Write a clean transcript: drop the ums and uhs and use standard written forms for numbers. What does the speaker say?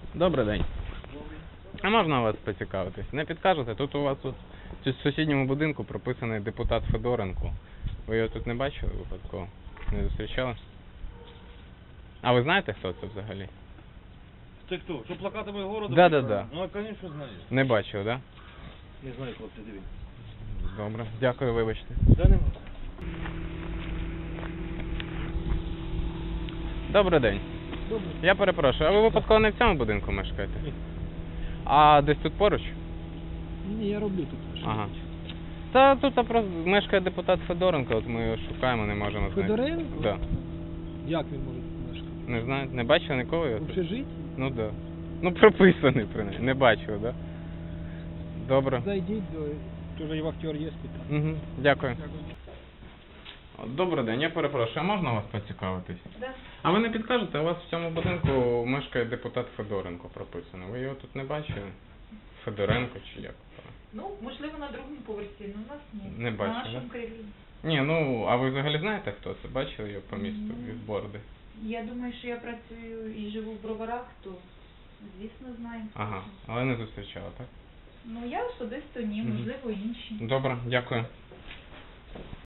Добрий день. А можна вас поцікавитись? Не підкажете? Тут у вас в сусідньому будинку прописаний депутат Федоренко. Ви його тут не бачили випадково? Не зустрічали? А ви знаєте, хто це взагалі? Це хто? Що плакатами городу? Да. Ну, звісно, знаю. Не бачив, так? Не знаю, хлопці, дивіться. Да? Добре. Дякую, вибачте. Да нема. Добрий день. Добре. Я перепрошую, а ви випадково не в цьому будинку мешкаєте? Ні. А десь тут поруч? Ні, я роблю тут. Ага. Та тут просто мешкає депутат Федоренко, от ми його шукаємо, не можемо знайти. Федоренко? Да. Як він може тут мешкати? Не знаю, не бачили нікого його В тут? общежитті? Ну да. Ну прописаний принаймні, не бачив, да? Добре. Зайдіть до... Тоже і вахтер є спитати. Угу. Дякую. Добрий день, я перепрошую, а можна вас поцікавитись? Да. А ви не підкажете, у вас в цьому будинку мешкає депутат Федоренко прописано. Ви його тут не бачили? Федоренко чи як? Ну, можливо, на другому поверсі, але у нас ні. Не бачу, На нашому да? крилі. Ні, ну, а ви взагалі знаєте, хто це? Бачили його по місту Ну. від борди? Я думаю, що я працюю і живу в Броварах, то, звісно, знаю. Ага, але не зустрічала, так? Ну, я особисто ні, Мгм. можливо, інші. Добре, дякую.